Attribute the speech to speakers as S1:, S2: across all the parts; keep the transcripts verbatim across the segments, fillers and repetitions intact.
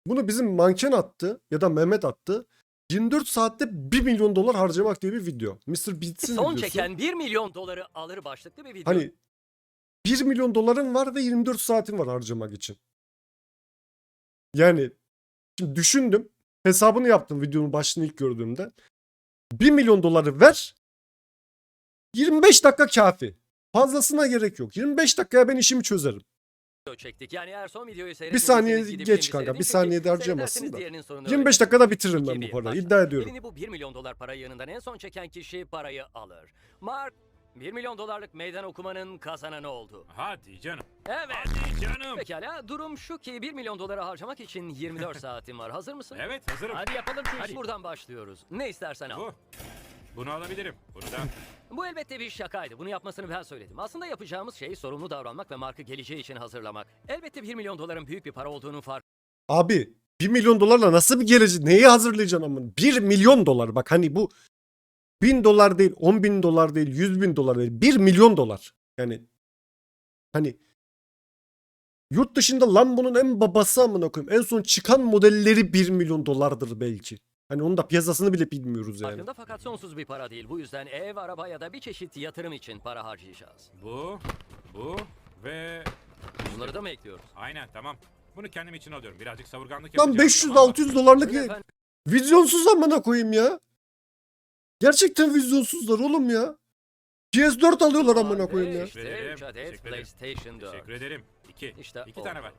S1: Bunu bizim manken attı ya da Mehmet attı. yirmi dört saatte bir milyon dolar harcamak diye bir video. mister Beats'in
S2: Son
S1: videosu.
S2: çeken bir milyon doları alır başlıklı bir video.
S1: Hani bir milyon doların var ve yirmi dört saatin var harcamak için. Yani şimdi düşündüm. Hesabını yaptım videonun başını ilk gördüğümde. bir milyon doları ver. yirmi beş dakika kafi. Fazlasına gerek yok. yirmi beş dakikaya ben işimi çözerim.
S2: çektik. Yani eğer son videoyu
S1: Bir
S2: seyretmediyseniz
S1: saniye
S2: gidip
S1: geç
S2: şimdi
S1: kanka.
S2: seyredin.
S1: Bir
S2: Çünkü
S1: saniyede harcayamazsın
S2: seyrederseniz
S1: da.
S2: diğerinin sonunu
S1: yirmi beş
S2: öğrenirsiniz.
S1: dakikada bitiririm
S2: İki
S1: ben bu
S2: bir,
S1: parayı.
S2: başla.
S1: İddia ediyorum.
S2: Elini bu bir milyon dolar para yanından en son çeken kişi parayı alır. Mark bir milyon dolarlık meydan okumanın kazananı oldu.
S3: Hadi canım.
S2: Evet.
S3: Hadi canım.
S2: Pekala durum şu ki bir milyon doları harcamak için yirmi dört saatin var. Hazır mısın?
S3: Evet hazırım.
S2: Hadi yapalım şu işi. Buradan başlıyoruz. Ne istersen al.
S3: Bu. Bunu alabilirim. Bunu da.
S2: Bu elbette bir şakaydı. Bunu yapmasını ben söyledim. Aslında yapacağımız şey sorumlu davranmak ve markı geleceği için hazırlamak. Elbette bir milyon doların büyük bir para olduğunu fark
S1: Abi bir milyon dolarla nasıl bir gelecek? Neyi hazırlayacaksın amına? bir milyon dolar. Bak hani bu bin dolar değil, on bin dolar değil, yüz bin dolar değil. bir milyon dolar. Yani hani yurt dışında Lambo'nun en babası amına koyayım. En son çıkan modelleri bir milyon dolardır belki. Hani onun da piyasasını bile bilmiyoruz yani.
S2: farkında fakat sonsuz bir para değil. Bu yüzden ev, araba ya da bir çeşit yatırım için para harcayacağız.
S3: Bu. Bu. Ve.
S2: Bunları da mı ekliyoruz?
S3: Aynen tamam. Bunu kendim için alıyorum. Birazcık savurganlık
S1: Lan
S3: yapacağım.
S1: beş yüz
S3: tamam mı?
S1: altı yüz dolarlık
S2: Buyurun efendim.
S1: vizyonsuz amına koyayım ya. Gerçekten vizyonsuzlar oğlum ya. P S dört alıyorlar amına koyayım ya.
S2: İşte
S3: Teşekkür ederim,
S2: üç adet
S3: teşekkür ederim.
S2: PlayStation dört.
S3: Teşekkür ederim. İki.
S2: İşte
S3: İki
S2: o.
S3: tane ver.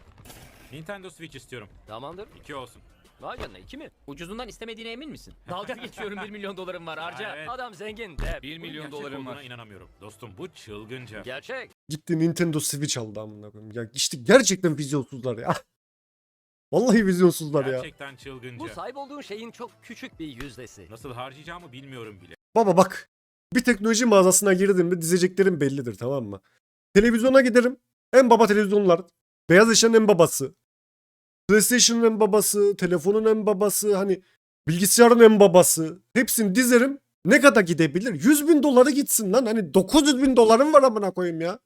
S3: Nintendo Switch istiyorum.
S2: Tamamdır.
S3: İki olsun.
S2: Vay canına iki mi?
S4: Ucuzundan istemediğine emin misin? Dalga geçiyorum bir milyon dolarım var harca.
S3: Evet.
S2: Adam zengin de.
S4: bir milyon
S3: Gerçek
S4: dolarım
S3: olduğuna
S4: var.
S3: inanamıyorum. Dostum bu çılgınca.
S2: Gerçek.
S1: Gitti Nintendo Switch aldı amına koyayım. Ya işte gerçekten vizyonsuzlar ya. Vallahi vizyonsuzlar ya.
S3: Gerçekten çılgınca.
S2: Bu sahip olduğun şeyin çok küçük bir yüzdesi.
S3: Nasıl harcayacağımı bilmiyorum bile.
S1: Baba bak. Bir teknoloji mağazasına girdim mi dizeceklerim bellidir, tamam mı? Televizyona giderim. En baba televizyonlar. Beyaz eşyanın en babası. PlayStation'ın en babası. Telefonun en babası. Hani bilgisayarın en babası. Hepsini dizerim. Ne kadar gidebilir? yüz bin doları gitsin lan. Hani dokuz yüz bin dolarım var amına koyayım ya.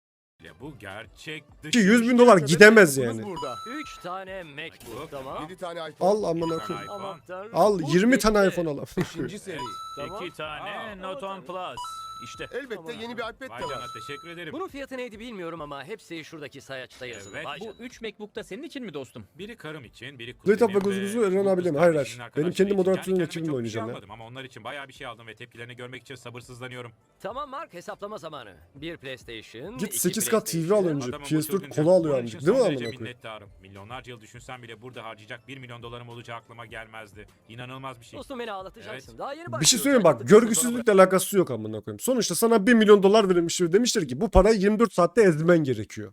S3: Bu gerçek dışı.
S1: Ki yüz bin dolar gidemez yani.
S5: Burada.
S2: Üç tane MacBook tamam.
S5: yedi tane iPhone.
S1: Al amına
S3: tane
S1: koyayım.
S3: iPhone.
S2: Aman tanrım.
S1: Al
S2: Bu
S1: yirmi tane
S2: bitti.
S1: iPhone al.
S5: beşinci seri.
S2: Tamam.
S4: İki tane
S3: Aa,
S4: Note on Plus. İşte.
S5: Elbette
S2: Tamam.
S5: yeni bir iPad
S3: Vay
S5: de
S3: canına
S5: var.
S3: teşekkür ederim.
S2: Bunun fiyatı neydi bilmiyorum ama hepsi şuradaki sayaçta yazılı.
S3: Evet,
S2: Vay
S4: Bu
S2: canına.
S4: üç MacBook da senin için mi dostum?
S3: Biri karım için, biri kuzenim
S1: Laptop ve
S3: ve
S1: kuzunuzu
S3: bu
S1: Eren
S3: kız
S1: abiyle mi? Hayır,
S3: kardeşinin
S1: hayır.
S3: arkadaşları
S1: Benim kendi
S3: için.
S1: moderatörümle
S3: Yani kendime
S1: ekibimle
S3: çok bir
S1: oynayacağım
S3: şey
S1: ya.
S3: almadım ama onlar için bayağı bir şey aldım ve tepkilerini görmek için sabırsızlanıyorum.
S2: Tamam Mark hesaplama zamanı. Bir PlayStation,
S1: Git
S2: iki
S1: sekiz K T V al
S2: PlayStation.
S1: önce.
S3: Adamın
S1: P
S3: bu
S1: S dört
S3: çılgınca.
S1: kola alıyor
S3: Bunun
S1: amcık.
S3: için
S1: Değil mi
S3: son
S1: amına
S3: derece
S1: koyayım?
S3: minnettarım. Milyonlarca yıl düşünsem bile burada harcayacak bir milyon dolarım olacağı aklıma gelmezdi. İnanılmaz bir şey.
S2: Dostum beni ağlatacaksın.
S3: Evet.
S2: Daha yeni
S1: Bir şey
S2: başlıyoruz.
S1: söyleyeyim bak,
S2: Acıktıktan sonra
S1: görgüsüzlükle alakası yok amına koyayım. Sonuçta sana bir milyon dolar verilmiş ve demişler ki bu parayı yirmi dört saatte ezmen gerekiyor.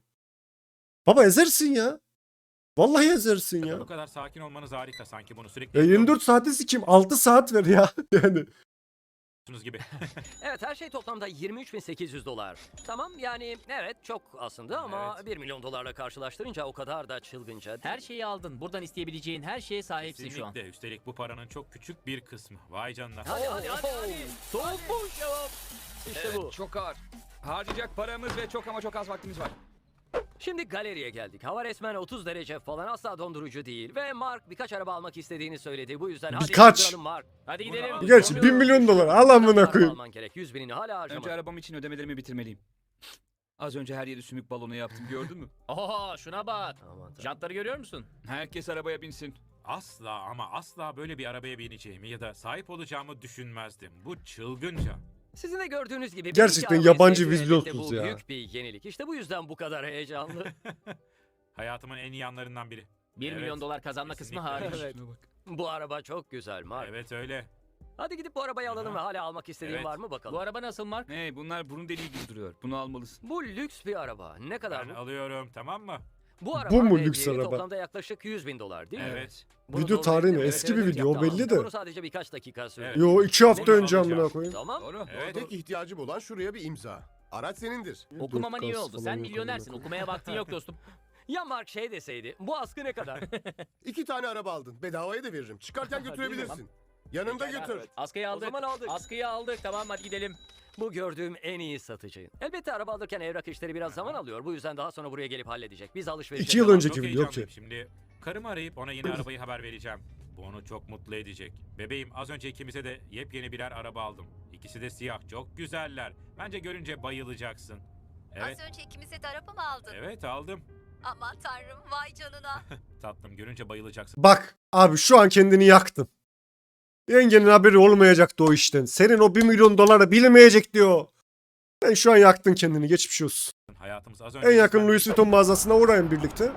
S1: Baba ezersin ya. Vallahi ezersin ya.
S3: Bu kadar sakin olmanız harika sanki bunu sürekli
S1: Ya yirmi dört saati sikeyim, altı saat ver ya. Yani
S3: yapıyorsunuz gibi.
S2: Evet her şey toplamda yirmi üç bin sekiz yüz dolar. Tamam yani evet çok aslında ama
S3: Evet.
S2: bir milyon dolarla karşılaştırınca o kadar da çılgınca değil.
S4: Her şeyi aldın. Buradan isteyebileceğin her şeye sahipsin şu an.
S3: Kesinlikle. Üstelik bu paranın çok küçük bir kısmı. Vay canına.
S2: Hadi hadi hadi hadi. Soğukmuş cevap. İşte bu.
S6: Çok ağır. Harcayacak paramız ve çok ama çok az vaktimiz var.
S2: Şimdi galeriye geldik. Hava resmen otuz derece falan, asla dondurucu değil. Ve Mark birkaç araba almak istediğini söyledi. Bu yüzden hadi
S1: Birkaç.
S2: yaptıralım Mark.
S4: Hadi gidelim.
S3: Bunu-
S1: gerçi bir milyon dolar al amına
S2: Araba
S1: koyayım.
S2: alman gerek. yüz binini hala harcama.
S6: Önce arabam için ödemelerimi bitirmeliyim. Az önce her yeri sümük balonu yaptım gördün mü?
S4: Oho şuna bak.
S2: Aman tanrım.
S4: Jantları görüyor musun?
S6: Herkes arabaya binsin.
S3: Asla ama asla böyle bir arabaya bineceğimi ya da sahip olacağımı düşünmezdim. Bu çılgınca.
S2: Sizin de gördüğünüz gibi
S1: Gerçekten
S2: bir iki arabayı
S1: yabancı
S2: sevdi. Elbette
S1: vizyonsuz
S2: bu
S1: ya.
S2: büyük bir yenilik. İşte bu yüzden bu kadar heyecanlı.
S3: Hayatımın en iyi anlarından biri.
S4: Bir
S3: Evet,
S4: milyon dolar kazanma kısmı
S3: kesinlikle.
S4: hariç.
S2: Evet.
S6: Şuna bak.
S2: Bu araba çok güzel Mark.
S3: Evet öyle.
S2: Hadi gidip bu arabayı alalım
S3: Aha.
S2: ve hala almak istediğin
S3: Evet.
S2: var mı bakalım.
S4: Bu araba nasıl Mark?
S6: Hey bunlar burun deliği gibi duruyor. Bunu almalısın.
S2: Bu lüks bir araba. Ne kadar
S3: Ben
S2: bu?
S3: alıyorum tamam mı?
S2: Bu araba
S1: Bu mu
S2: ve
S1: lüks
S2: değeri
S1: araba?
S2: toplamda yaklaşık yüz bin dolar değil mi?
S3: Evet.
S2: Bunu
S1: Video
S2: doğru
S1: tarihi ne?
S2: söyledim.
S1: Eski
S2: Evet,
S1: bir
S2: evet,
S1: video, o
S2: yaptım.
S1: belli de.
S2: Bunu sadece birkaç dakika sürdü.
S3: Evet.
S1: Yo iki hafta
S3: Bunu
S1: önce amına
S3: alacağım.
S1: koyayım.
S2: Tamam.
S6: Doğru.
S3: Evet.
S5: Tek ihtiyacım olan şuraya bir imza. Araç senindir.
S4: Okumaman iyi
S1: Dört
S4: oldu.
S1: kas
S4: Sen
S1: falan
S4: milyonersin.
S1: yok amına
S4: Okumaya vaktin yok dostum.
S2: Ya Mark şey deseydi, bu askı ne kadar?
S5: İki tane araba aldın. Bedavaya da veririm. Çıkarken götürebilirsin. Yanında götür.
S4: Askıyı
S2: O
S4: aldık.
S2: zaman aldık.
S4: Askıyı aldık. Tamam hadi gidelim.
S2: Bu gördüğüm en iyi satıcı. Elbette araba alırken evrak işleri biraz zaman alıyor. Bu yüzden daha sonra buraya gelip halledecek. Biz alışverişe
S1: İki yıl
S2: devam-
S1: önce- Önceki
S3: Çok
S1: video
S3: heyecanlıyım.
S1: ki.
S3: Şimdi Karımı arayıp ona yeni arabayı haber vereceğim. Bu onu çok mutlu edecek. Bebeğim, az önce ikimize de yepyeni birer araba aldım. İkisi de siyah, çok güzeller. Bence görünce bayılacaksın. Evet,
S7: Az önce ikimize de araba mı aldın?
S3: evet aldım.
S7: Aman tanrım vay canına.
S3: Tatlım, görünce bayılacaksın.
S1: Bak abi şu an kendini yaktın. Yengenin haberi olmayacaktı o işten. Senin o bir milyon doları bilmeyecek diyor. Sen şu an yaktın kendini, geçmiş olsun.
S3: Hayatımız az önce...
S1: En yakın Louis Vuitton mağazasına uğrayın birlikte.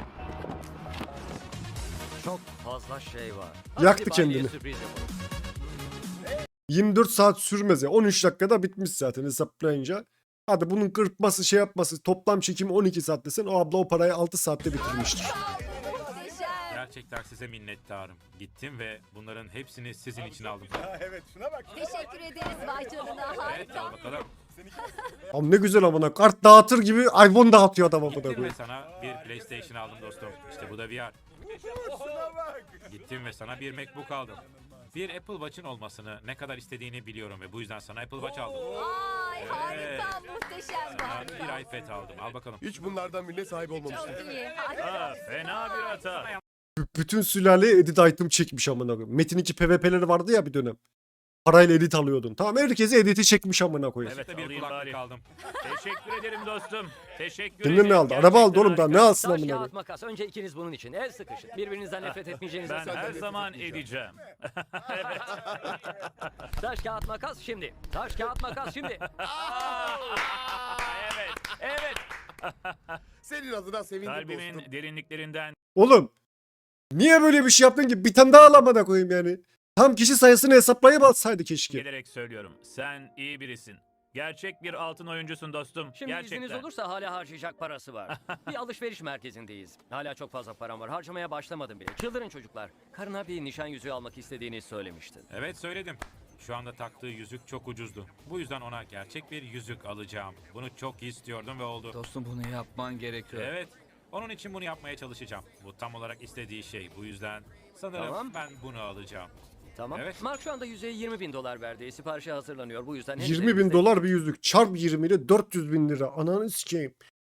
S2: Çok fazla şey var.
S1: Yaktı
S2: Hadi Bali'ye
S1: kendini.
S2: sürpriz yapalım.
S1: yirmi dört saat sürmez ya. on üç dakikada bitmiş zaten hesaplayınca. Hadi bunun kırpması şey yapması toplam çekimi on iki saat desen o abla o parayı altı saatte bitirmiştir.
S7: Muhteşem.
S3: Gerçekten size minnettarım. Gittim ve bunların hepsini sizin için aldım.
S7: Teşekkür ederiz vay canına
S3: Evet,
S7: harika.
S3: al bakalım.
S1: Abi ne güzel amına. Kart dağıtır gibi iPhone dağıtıyor adam amına
S3: Gittim ve
S1: koyayım.
S3: sana bir PlayStation aldım dostum. İşte bu da V R. Gittim ve sana bir MacBook aldım. Bir Apple Watch'ın olmasını ne kadar istediğini biliyorum ve bu yüzden sana Apple Watch aldım.
S7: Ay
S3: Evet.
S7: harika muhteşem
S3: Sana
S7: harika.
S3: bir iPad aldım. Al bakalım.
S5: Hiç bunlardan birine sahip olmamıştım.
S7: Çok iyi harika.
S4: Fena bir hata.
S1: B- bütün sülale edit item çekmiş amına koyayım. Metin iki P V P'leri vardı ya bir dönem. Parayla edit alıyordun. Tamam herkese editi çekmiş amına koyayım.
S3: Evet, bir
S4: alayım
S3: kulaklık
S4: bari.
S3: aldım.
S4: Teşekkür ederim dostum. Teşekkür
S1: Kendine
S4: ederim.
S1: ne aldı? Araba aldı
S4: Gerçekten
S1: oğlum daha ne
S4: harika.
S1: alsın
S2: Taş
S1: amına
S2: kağıt
S1: koyayım.
S2: makas. Önce ikiniz bunun için. El sıkışın. Birbirinizden nefret etmeyeceğinize
S4: Ben
S2: söz
S4: her
S2: veriyorum.
S4: zaman edeceğim.
S2: Taş kağıt makas şimdi. Taş kağıt makas şimdi.
S4: evet, evet.
S5: Senin adına sevindim dostum.
S4: Kalbimin derinliklerinden
S1: Oğlum niye böyle bir şey yaptın ki? Bir tane daha alamada koyayım yani. Tam kişi sayısını hesaplayıp alsaydı keşke.
S4: gelerek söylüyorum. Sen iyi birisin. Gerçek bir altın oyuncusun dostum.
S2: Şimdi
S4: Gerçekten.
S2: izniniz olursa hala harcayacak parası var. Bir alışveriş merkezindeyiz. Hala çok fazla param var. Harcamaya başlamadım bile. Çıldırın çocuklar. Karına bir nişan yüzüğü almak istediğini söylemiştin.
S3: Evet, söyledim. Şu anda taktığı yüzük çok ucuzdu. Bu yüzden ona gerçek bir yüzük alacağım. Bunu çok istiyordum ve oldu.
S6: Dostum bunu yapman gerekiyor.
S3: Evet. Onun için bunu yapmaya çalışacağım. Bu tam olarak istediği şey. Bu yüzden sanırım
S2: Tamam.
S3: ben bunu alacağım.
S2: Tamam.
S3: Evet.
S2: Mark şu anda yüzeye yirmi bin dolar verdi. Siparişe hazırlanıyor. Bu yüzden... henüz
S1: yirmi bin
S2: elimizde
S1: dolar bir yüzük. Çarp yirmi ile dört yüz bin lira. Ananı sikeyim.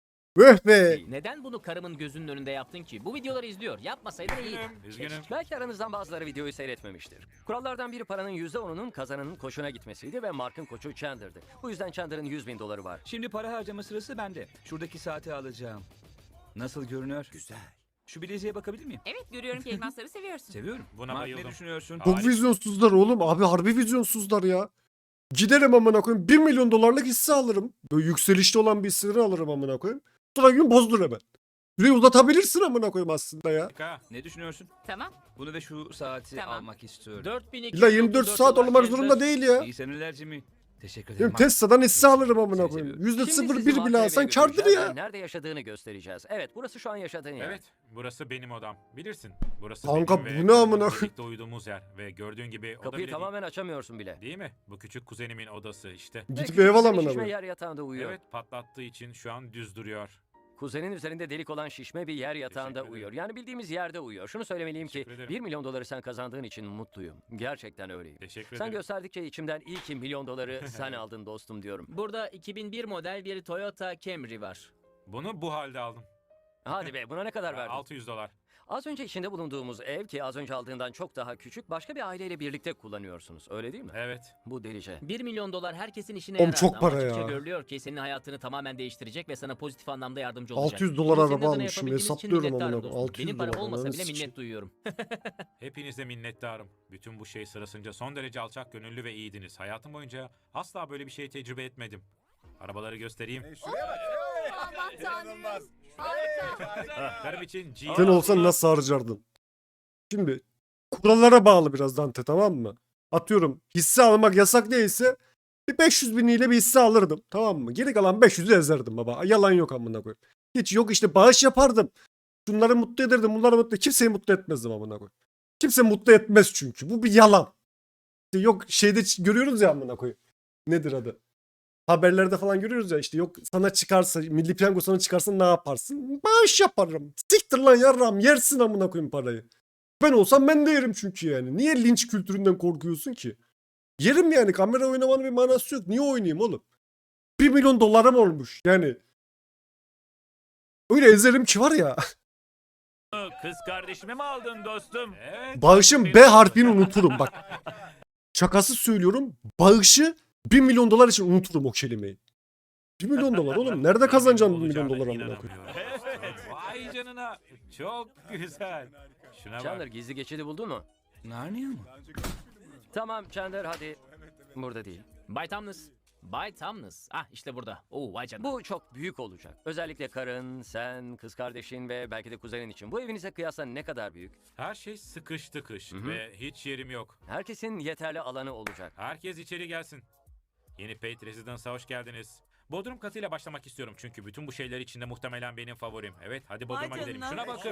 S1: Öh be.
S4: Neden bunu karımın gözünün önünde yaptın ki? Bu videoları izliyor. Yapmasaydın iyi.
S3: Üzgünüm, üzgünüm.
S2: Belki aranızdan bazıları videoyu seyretmemiştir. Kurallardan biri paranın yüzde onunun kazananın koçuna gitmesiydi ve Mark'ın koçu Chandler'dı. Bu yüzden Chandler'ın yüz bin doları var.
S6: Şimdi para harcama sırası bende. Şuradaki saati alacağım. Nasıl görünüyor? Güzel. Şu bileziğe bakabilir miyim?
S8: Evet görüyorum ki elmasları seviyorsun.
S6: Seviyorum.
S3: Buna
S6: Mark,
S3: bayıldım.
S6: ne düşünüyorsun?
S1: Çok vizyonsuzlar oğlum. Abi harbi vizyonsuzlar ya. Giderim amına koyayım. bir milyon dolarlık hisse alırım. Böyle yükselişte olan bir hisseleri alırım amına koyayım. Sonra gün bozdur hemen. Süreyi uzatabilirsin amına koyayım aslında ya.
S3: Harika.
S6: Ne düşünüyorsun?
S8: Tamam.
S6: Bunu ve şu saati
S8: Tamam.
S6: almak istiyorum.
S4: dört bin iki
S1: İlla
S4: yüz
S1: yirmi dört
S4: otuz dört
S1: saat
S4: dolar
S1: olmak
S4: fiyatı.
S1: zorunda değil ya.
S6: İyi seneler Jimmy. Teşekkür ederim.
S1: Benim
S6: Mark.
S1: Tesla'dan hisse alırım amına
S6: Seni
S1: koyayım.
S6: seviyorum.
S1: yüzde
S2: Şimdi
S1: sıfır
S2: sizi
S1: bir bile
S2: mahkemeye
S1: alsan kardır
S2: götüreceğiz
S1: ya.
S2: ve Nerede yaşadığını göstereceğiz. Evet, burası şu an yaşadığın yer.
S3: Evet, burası benim odam. Bilirsin. Burası
S1: Kanka,
S3: benim
S1: bu
S3: ve
S1: ne amına
S3: karımın
S1: koyayım?
S3: birlikte uyuduğumuz yer. Ve gördüğün gibi oda
S2: Kapıyı
S3: bile
S2: tamamen açamıyorsun bile.
S3: değil. Değil mi? Bu küçük kuzenimin odası işte.
S2: Ve
S1: Gidip
S2: küçük
S1: ev al
S2: bir
S1: amına
S2: şişme
S1: koyayım.
S2: yer yatağında uyuyor.
S3: Evet, patlattığı için şu an düz duruyor.
S2: Kuzenin üzerinde delik olan şişme bir yer yatağında
S3: Teşekkür
S2: uyuyor.
S3: ederim.
S2: Yani bildiğimiz yerde uyuyor. Şunu söylemeliyim ki
S3: Teşekkür ederim.
S2: bir milyon doları sen kazandığın için mutluyum. Gerçekten öyleyim.
S3: Teşekkür
S2: Sen
S3: ederim.
S2: gösterdikçe içimden iyi ki milyon doları sen aldın dostum diyorum.
S4: Burada iki bin bir model bir Toyota Camry var.
S3: Bunu bu halde aldım.
S2: Hadi be buna ne kadar verdin?
S3: altı yüz dolar.
S2: Az önce içinde bulunduğumuz ev ki az önce aldığından çok daha küçük başka bir aileyle birlikte kullanıyorsunuz. Öyle değil mi?
S3: Evet.
S2: Bu delice.
S4: bir milyon dolar herkesin işine
S1: Oğlum
S4: yarar.
S1: çok para
S4: Ama açıkça
S1: ya.
S4: görülüyor ki senin hayatını tamamen değiştirecek ve sana pozitif anlamda yardımcı olacak.
S1: altı yüz dolar
S4: Bunu senin
S1: araba
S4: adına
S1: almışım.
S4: yapabildiğimiz için
S1: Hesaplıyorum
S4: minnettarım
S1: amına
S4: dostum.
S1: koyayım. altı yüz
S4: Benim para
S1: dolar.
S4: olmasa
S1: Ananı
S4: bile
S1: sikeyim.
S4: minnet duyuyorum.
S3: Hepinize minnettarım. Bütün bu şey sırasınca son derece alçak gönüllü ve iyiydiniz. Hayatım boyunca asla böyle bir şey tecrübe etmedim. Arabaları göstereyim.
S7: Aman tanrım. Harika.
S3: Karım için G.
S1: Sen olsan nasıl harcardın? Şimdi kurallara bağlı biraz Dante, tamam mı? Atıyorum hisse almak yasak değilse bir beş yüz biniyle bir hisse alırdım, tamam mı? Geri kalan beş yüzü ezerdim baba. Yalan yok amına koyayım. Hiç yok işte bağış yapardım. Şunları mutlu ederdim, bunları mutlu. Kimseyi mutlu etmezdim amına koyayım. Kimse mutlu etmez çünkü. Bu bir yalan. İşte yok şeyde ç- görüyoruz ya amına koyayım. Nedir adı? Haberlerde falan görüyoruz ya işte yok sana çıkarsa Milli Piyango sana çıkarsa ne yaparsın? Bağış yaparım. Siktir lan yarram yersin amına koyayım parayı. Ben olsam ben de yerim çünkü yani. Niye linç kültüründen korkuyorsun ki? Yerim yani, kamera oynamanın bir manası yok. Niye oynayayım oğlum? Bir milyon dolarım olmuş yani. Öyle ezerim ki var ya.
S4: Kız kardeşimi mi aldın dostum?
S3: Evet.
S1: Bağışın B harfini unuturum bak. Şakası söylüyorum. Bağışı bir milyon dolar için unuturum o kelimeyi. bir milyon dolar oğlum. Nerede kazanacağım bir milyon dolar amına koyayım?
S3: İnanamıyorum. Vay canına. Çok güzel. Şuna
S2: Chandler
S3: bak.
S2: gizli geçidi buldun mu?
S6: Narnia mı?
S2: Tamam Chandler hadi. Burada değil.
S9: Bay Tamnus. Bay Tamnus. Ah işte burada. Oo vay canına.
S2: Bu çok büyük olacak. Özellikle karın, sen, kız kardeşin ve belki de kuzenin için. Bu evinize kıyasla ne kadar büyük?
S3: Her şey sıkış tıkış
S2: Hı hı.
S3: ve hiç yerim yok.
S2: Herkesin yeterli alanı olacak.
S3: Herkes içeri gelsin. Yeni Pate Residence'a hoş geldiniz. Bodrum katıyla başlamak istiyorum çünkü bütün bu şeyler içinde muhtemelen benim favorim. Evet, hadi Bodrum'a gidelim. Şuna bakın.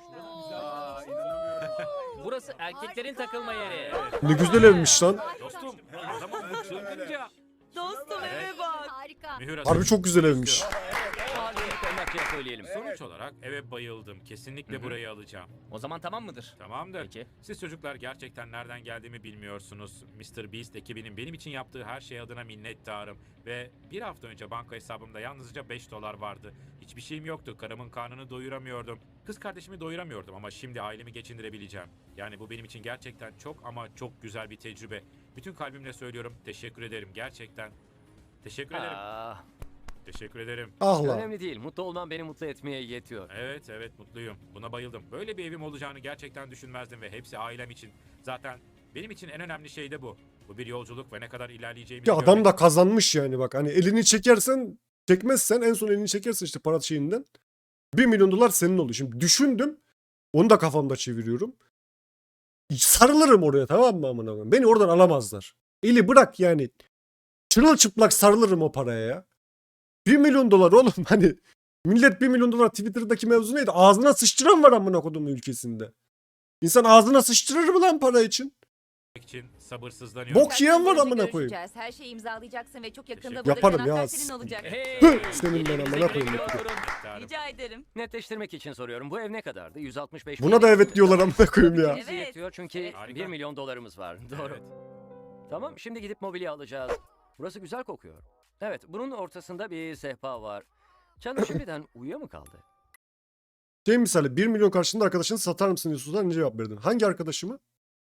S9: Burası erkeklerin takılma yeri.
S1: Ne güzel evmiş lan.
S3: Dostum, adamın bu çılgınca.
S7: Dostum eve bak. Harika.
S3: Mühür
S1: Harbi
S3: atıyorum.
S1: çok güzel evmiş.
S2: Mahalleyi tırnakçıya söyleyelim.
S3: Sonuç olarak eve bayıldım. Kesinlikle burayı alacağım.
S9: O zaman tamam mıdır?
S3: Tamamdır.
S9: Peki.
S3: Siz çocuklar gerçekten nereden geldiğimi bilmiyorsunuz. mister Beast ekibinin benim için yaptığı her şey adına minnettarım. Ve bir hafta önce banka hesabımda yalnızca beş dolar vardı. Hiçbir şeyim yoktu. Karımın karnını doyuramıyordum. Kız kardeşimi doyuramıyordum ama şimdi ailemi geçindirebileceğim. Yani bu benim için gerçekten çok ama çok güzel bir tecrübe. Bütün kalbimle söylüyorum. Teşekkür ederim. Gerçekten. Teşekkür ederim.
S2: Aa,
S3: Teşekkür ederim.
S1: Ah lan.
S2: önemli değil. Mutlu olman beni mutlu etmeye yetiyor.
S3: Evet evet mutluyum. Buna bayıldım. Böyle bir evim olacağını gerçekten düşünmezdim ve hepsi ailem için. Zaten benim için en önemli şey de bu. Bu bir yolculuk ve ne kadar ilerleyeceğimizi
S1: Ya adam
S3: görmek.
S1: da kazanmış yani bak. Hani elini çekersen, çekmezsen en son elini çekersen işte para şeyinden bir milyon dolar senin oluyor. Şimdi düşündüm. Onu da kafamda çeviriyorum. Sarılırım oraya, tamam mı amına koyayım? Beni oradan alamazlar. Eli bırak yani. Çırılçıplak sarılırım o paraya ya. bir milyon dolar oğlum hani. Millet bir milyon dolar Twitter'daki mevzu neydi? Ağzına sıçtıran var amına kodumun ülkesinde. İnsan ağzına sıçtırır mı lan para için?
S3: için sabırsızlanıyorum.
S1: Bok yiyen var amına koyayım.
S7: Görüşeceğiz. Her şeyi imzalayacaksın ve çok yakında
S3: Teşekkür-
S7: buradaki
S1: Yaparım ya.
S7: anahtar senin olacak.
S9: Hey!
S1: Hı, senin ben amına
S9: Elinize
S1: koyayım.
S9: güle güle oturun.
S3: Minnettarım.
S7: Rica ederim.
S2: Netleştirmek için soruyorum. Bu ev ne kadardı? yüz altmış beş
S1: Buna da evet diyorlar amına koyayım ya.
S2: Bizi
S7: Evet.
S2: yetiyor çünkü
S3: Harika.
S2: bir milyon dolarımız var. Doğru.
S3: Evet.
S2: Tamam, şimdi gidip mobilya alacağız. Burası güzel kokuyor. Evet, bunun ortasında bir sehpa var. Chandler şimdiden uyuya mı kaldı?
S1: Şey misali bir milyon karşılığında arkadaşını satar mısın diyorsunuz ne cevap verdin? Hangi arkadaşımı?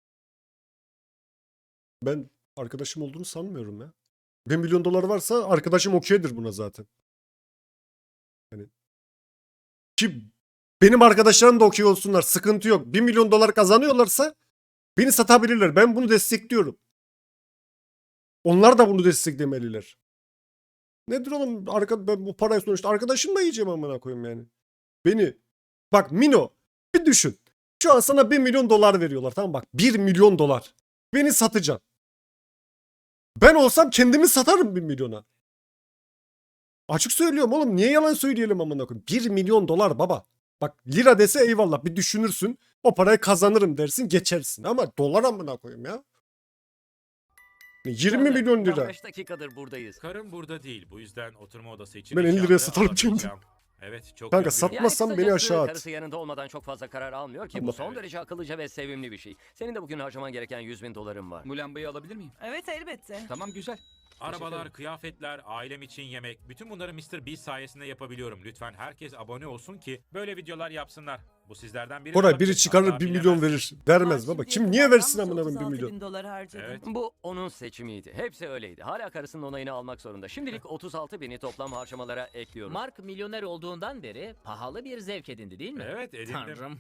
S1: Ben arkadaşım olduğunu sanmıyorum ya. bir milyon dolar varsa arkadaşım okeydir buna zaten. Yani ki benim arkadaşlarım da okey olsunlar. Sıkıntı yok. bir milyon dolar kazanıyorlarsa beni satabilirler. Ben bunu destekliyorum. Onlar da bunu desteklemeliler. Nedir oğlum? Arka, ben bu parayı sonuçta arkadaşımla yiyeceğim amına koyayım yani. Beni bak Mino bir düşün. Şu an sana bir milyon dolar veriyorlar, tamam bak bir milyon dolar. Beni satacaksın. Ben olsam kendimi satarım bir milyona. Açık söylüyorum oğlum, niye yalan söyleyelim amına koyayım. bir milyon dolar baba. Bak lira dese eyvallah bir düşünürsün. O parayı kazanırım dersin geçersin ama dolar amına koyayım ya. yirmi
S2: Chandler,
S1: milyon
S2: tam
S1: lira.
S2: beş dakikadır buradayız.
S3: Karım burada değil. Bu yüzden oturma odası için
S1: Ben elli liraya
S3: eşyaları
S1: satarım kendimi.
S3: alabileceğim. Evet çok
S1: Kanka,
S3: üzgünüm.
S1: sat- Atmazsam beni
S2: kısacası
S1: aşağı at.
S2: Karısı yanında olmadan çok fazla karar almıyor ki. Bu
S1: Ama-
S2: son
S3: Evet.
S2: derece akıllıca ve sevimli bir şey. Senin de bugün harcaman gereken yüz bin doların var.
S6: Bu lambayı alabilir miyim?
S8: Evet elbette.
S6: Tamam güzel.
S3: Arabalar, kıyafetler, ailem için yemek. Bütün bunları mister Beast sayesinde yapabiliyorum. Lütfen herkes abone olsun ki böyle videolar yapsınlar. Bu sizlerden biri
S1: Koray
S3: olabilir.
S1: biri çıkarır
S3: Hatta
S1: bir milyon
S3: bilemezsin.
S1: verir. Vermez baba. Kim niye versin amına koyayım bir milyon?
S8: bin dolar harcadım.
S3: Evet.
S2: Bu onun seçimiydi. Hepsi öyleydi. Hala karısının onayını almak zorunda. Şimdilik otuz altı bini toplam harcamalara ekliyoruz.
S9: Mark milyoner olduğundan beri pahalı bir zevk edindi değil mi?
S3: Evet edindim.
S9: Tanrım.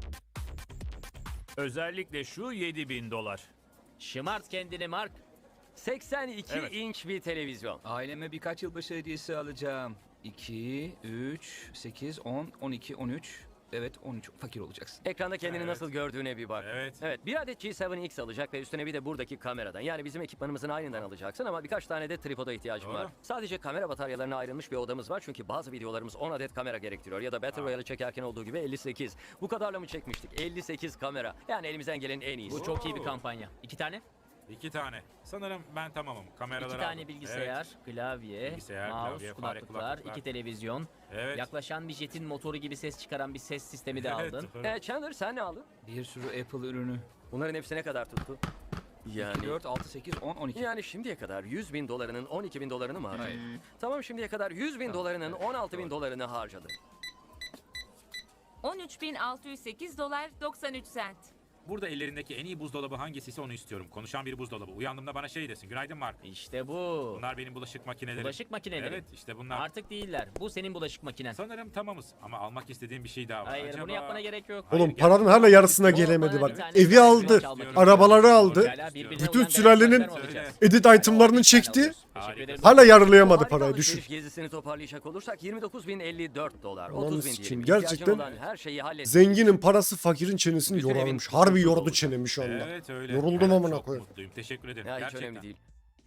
S4: Özellikle şu yedi bin dolar.
S9: Şımart kendini Mark.
S2: seksen iki
S4: Evet.
S2: inç bir televizyon.
S6: Aileme birkaç yılbaşı hediyesi alacağım. iki, üç, sekiz, on, on iki, on üç. Evet on üç. Fakir olacaksın.
S2: Ekranda kendini
S3: Evet.
S2: nasıl gördüğüne bir bak.
S3: Evet.
S2: Evet, bir adet G yedi X alacak ve üstüne bir de buradaki kameradan. Yani bizim ekipmanımızın aynından alacaksın ama birkaç tane de tripoda ihtiyacım
S3: Doğru.
S2: var. Sadece kamera bataryalarına ayrılmış bir odamız var çünkü bazı videolarımız on adet kamera gerektiriyor. Ya da Battle Royale'ı çekerken olduğu gibi elli sekiz. Bu kadarla mı çekmiştik? elli sekiz kamera. Yani elimizden gelen en iyisi.
S9: Bu çok iyi bir kampanya. İki tane.
S3: İki tane. Sanırım ben tamamım. Kameraları
S9: İki tane
S3: aldım.
S9: bilgisayar, klavye,
S3: Bilgisayar,
S9: mouse,
S3: klavye, fare,
S9: kulaklıklar,
S3: kulaklıklar.
S9: iki televizyon.
S3: Evet. evet.
S9: Yaklaşan bir jetin motoru gibi ses çıkaran bir ses sistemi de
S3: Evet,
S9: aldın.
S3: doğru.
S2: Ee, Chandler sen ne aldın?
S6: Bir sürü Apple ürünü.
S2: Bunların hepsi ne kadar tuttu? Yani...
S6: dört, altı, sekiz, on, on iki.
S2: Yani şimdiye kadar yüz bin dolarının on iki bin dolarını mı harcadın?
S6: Hayır.
S2: Tamam şimdiye kadar yüz bin
S6: Tamam,
S2: dolarının
S6: evet,
S2: on altı bin
S6: doğru.
S2: dolarını harcadın.
S8: on üç bin altı yüz sekiz dolar doksan üç sent.
S3: Burada ellerindeki en iyi buzdolabı hangisiyse onu istiyorum. Konuşan bir buzdolabı. Uyandığımda bana şey desin. Günaydın Mark.
S9: İşte bu.
S3: Bunlar benim bulaşık makinelerim.
S9: Bulaşık makineleri.
S3: Evet işte bunlar.
S9: Artık değiller. Bu senin bulaşık makinen.
S3: Sanırım tamamız ama almak istediğim bir şey daha var.
S9: Hayır
S3: Acaba...
S9: bunu yapmana gerek yok.
S3: Hayır,
S1: Oğlum paranın
S3: gerçekten
S1: hala yarısına
S3: istiyorum.
S1: gelemedi
S9: Bana bir
S1: bak.
S9: tane
S1: Evi
S9: daha
S1: aldı.
S9: flash almak
S1: Arabaları
S9: istiyorum.
S1: aldı.
S9: Hala birbirine
S1: Bütün
S9: uyan
S1: sülalenin
S9: garaj maçlar mı alacağız?
S1: edit itemlarını çekti.
S9: Teşekkür
S3: Harika.
S9: ederim.
S1: Hala yarılayamadı
S2: Harika
S1: parayı,
S2: alışveriş
S1: düşün.
S2: gezisini toparlayacak olursak yirmi dokuz bin elli dört dolar.
S1: Ananı
S2: otuz bin
S1: sikeyim,
S2: diyelim. İhtiyacın
S1: gerçekten
S2: olan her şeyi hallettik.
S1: Zenginin parası fakirin çenesini
S2: Bütün evin
S1: yorarmış.
S2: kusursuz
S1: Harbi yordu
S2: olacak.
S1: çenemi şu anda.
S3: Evet öyle.
S1: Yoruldum
S3: Evet,
S1: amına
S3: çok
S1: koyayım.
S3: mutluyum. Teşekkür ederim.
S2: Ya hiç
S3: Gerçekten.
S2: önemli değil.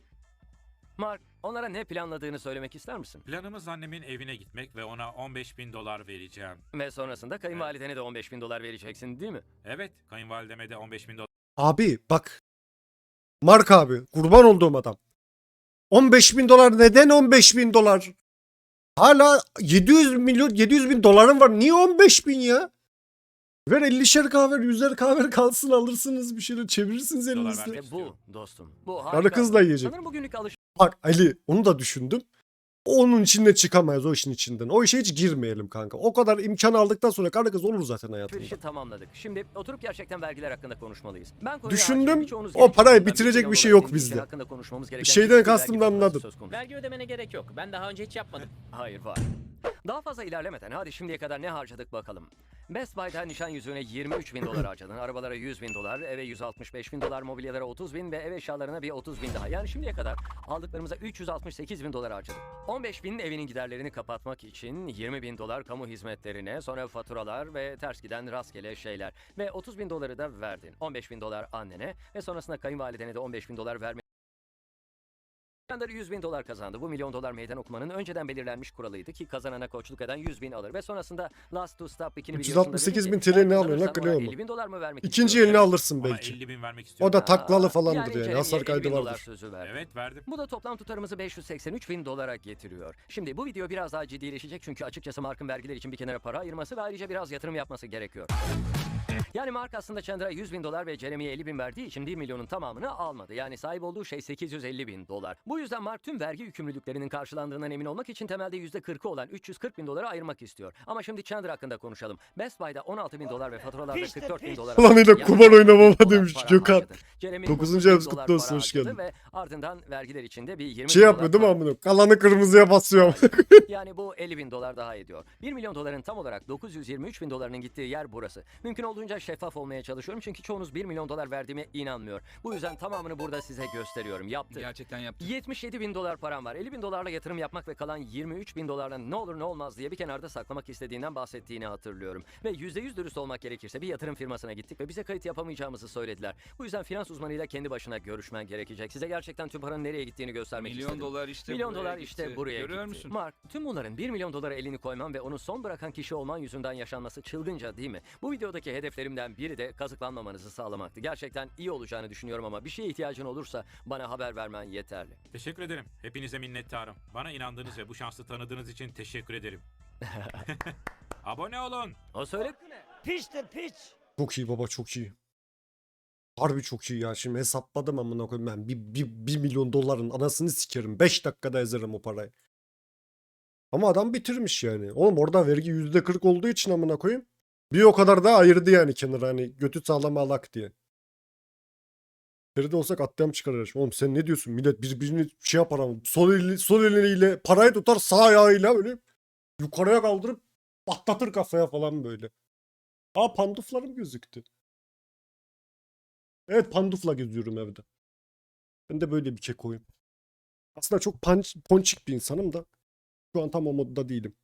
S2: Mark, onlara ne planladığını söylemek ister misin?
S3: Planımız annemin evine gitmek ve ona on beş bin dolar vereceğim.
S2: Ve sonrasında kayınvalidene de on beş bin dolar vereceksin değil mi?
S3: Evet, kayınvalideme de on beş bin dolar
S1: Abi bak. Mark abi kurban olduğum adam. on beş bin dolar, neden on beş bin dolar? Hala yedi yüz milyon yedi yüz bin doların var. Niye on beş bin ya? Ver ellişer kahve, yüzer kahve kalsın, alırsınız bir şeyler, çevirirsiniz
S3: Dolar
S1: elinizde.
S3: vermek
S2: İşte bu dostum. Bu
S1: Karı
S2: harika.
S1: kızla yiyecek.
S2: Sanırım bugünlük
S1: Bak Ali, onu da düşündüm. Onun içinde çıkamayız, o işin içinden. O işe hiç girmeyelim kanka. O kadar imkan aldıktan sonra karı kız olur zaten hayatında.
S2: alışverişi tamamladık. Şimdi oturup gerçekten vergiler hakkında konuşmalıyız. Ben konuya
S1: Düşündüm,
S2: hakimim. Birçoğunuz
S1: o
S2: genç
S1: parayı
S2: olduğundan
S1: bitirecek
S2: milyon
S1: bir şey
S2: dolar
S1: yok
S2: vergisi
S1: bizde.
S2: hakkında konuşmamız gereken
S1: Şeyden
S2: ciddi bir
S1: kastımı
S2: vergi faturası
S1: anladım.
S2: söz konusu.
S9: Vergi ödemene gerek yok. Ben daha önce hiç yapmadım.
S2: Hayır var. Daha fazla ilerlemeden hadi şimdiye kadar ne harcadık bakalım. Best Buy'da nişan yüzüğüne yirmi üç bin dolar harcadın. Arabalara yüz bin dolar, eve yüz altmış beş bin dolar, mobilyalara otuz bin ve ev eşyalarına bir otuz bin daha. Yani şimdiye kadar aldıklarımıza üç yüz altmış sekiz bin dolar harcadık. on beş bin evinin giderlerini kapatmak için, yirmi bin dolar kamu hizmetlerine, sonra faturalar ve ters giden rastgele şeyler. Ve otuz bin doları da verdin. on beş bin dolar annene ve sonrasında kayınvalidene de on beş bin dolar vermek. Chandler yüz bin dolar kazandı. Bu milyon dolar meydan okumanın önceden belirlenmiş kuralıydı ki kazanana koçluk eden yüz bin alır. Ve sonrasında Last to Stop ikini
S1: üç yüz altmış sekiz bin T L ne alıyor lan, Cleo mu?
S2: elli bin dolar mı vermek
S1: İkinci
S2: istiyorsun?
S1: elini alırsın
S3: Ona
S1: belki.
S3: elli bin vermek
S1: O
S3: istiyorum.
S1: da taklalı
S2: Aa,
S1: falandır yani.
S2: Jeremy'ye
S1: Hasar
S2: elli
S1: kaydı
S2: bin dolar
S1: vardır.
S2: sözü verdi.
S3: Evet verdim.
S2: Bu da toplam tutarımızı beş yüz seksen üç bin dolara getiriyor. Şimdi bu video biraz daha ciddileşecek çünkü açıkçası Mark'ın vergiler için bir kenara para ayırması ve ayrıca biraz yatırım yapması gerekiyor. Yani Mark aslında Chandler'a yüz bin dolar ve Jeremy'ye elli bin verdiği için bir milyonun tamamını almadı. Yani sahip olduğu şey sekiz yüz elli bin dolar. Bu yüzden Mark tüm vergi yükümlülüklerinin karşılandığından emin olmak için temelde yüzde kırkı olan üç yüz kırk bin doları ayırmak istiyor. Ama şimdi Chandler hakkında konuşalım. Best Buy'da on altı bin dolar ve faturalarda kırk dört bin dolar.
S1: Ulan öyle
S2: Yani
S1: kumar oynamama
S2: dolar
S1: demiş
S2: para
S1: Gökhan.
S2: harcadı. Jeremy'nin
S1: Dokuzuncu
S2: otuz bin
S1: ayımız
S2: dolar
S1: kutlu olsun,
S2: para
S1: hoş
S2: harcadı
S1: geldin.
S2: Ve ardından vergiler içinde bir yirmi
S1: Şey
S2: bin
S1: yapmıyor
S2: dolar
S1: değil mi
S2: para-
S1: amına? Kalanı kırmızıya basıyorum.
S2: Yani bu elli bin dolar daha ediyor. bir milyon doların tam olarak dokuz yüz yirmi üç bin dolarının gittiği yer burası. Mümkün olduğunca şeffaf olmaya çalışıyorum çünkü çoğunuz bir milyon dolar verdiğime inanmıyor. Bu yüzden tamamını burada size gösteriyorum. Yaptı.
S6: Gerçekten yaptım.
S2: yetmiş yedi bin dolar param var. elli bin dolarla yatırım yapmak ve kalan yirmi üç bin dolarla ne olur ne olmaz diye bir kenarda saklamak istediğinden bahsettiğini hatırlıyorum. Ve yüzde yüz dürüst olmak gerekirse bir yatırım firmasına gittik ve bize kayıt yapamayacağımızı söylediler. Bu yüzden finans uzmanıyla kendi başına görüşmen gerekecek. Size gerçekten tüm paranın nereye gittiğini göstermek
S6: Milyon
S2: istedim.
S6: dolar işte
S2: Milyon
S6: buraya
S2: dolar
S6: gitti.
S2: işte buraya
S6: Görüyor
S2: gitti.
S6: musun?
S2: Mark, tüm bunların bir milyon dolara elini koyman ve onu son bırakan kişi olman yüzünden yaşanması çılgınca değil mi? Bu videodaki hedeflerimden biri de kazıklanmamanızı sağlamaktı. Gerçekten iyi olacağını düşünüyorum ama bir şeye ihtiyacın olursa bana haber vermen yeterli.
S3: Teşekkür ederim. Hepinize minnettarım. Bana inandığınız ve bu şansı tanıdığınız için teşekkür ederim. Abone olun.
S2: O söyle.
S1: Çok iyi baba, çok iyi. Harbi çok iyi ya. Şimdi hesapladım amına koyayım ben. Bir, bir, bir milyon doların anasını sikerim. beş dakikada ezerim o parayı. Ama adam bitirmiş yani. Oğlum orada vergi yüzde kırk olduğu için amına koyayım. Bir o kadar da ayırdı yani kenara, hani götü sağlam alak diye. Feride olsak atlayam çıkarır. Oğlum sen ne diyorsun? Millet birbirini şey yapar ama sol, eli, sol eliyle parayı tutar, sağ ayağıyla böyle yukarıya kaldırıp patlatır kafaya falan böyle. Aa, panduflarım gözüktü. Evet, pandufla geziyorum evde. Ben de böyle bir kekoyum. Aslında çok panç, ponçik bir insanım da şu an tam o modda değilim.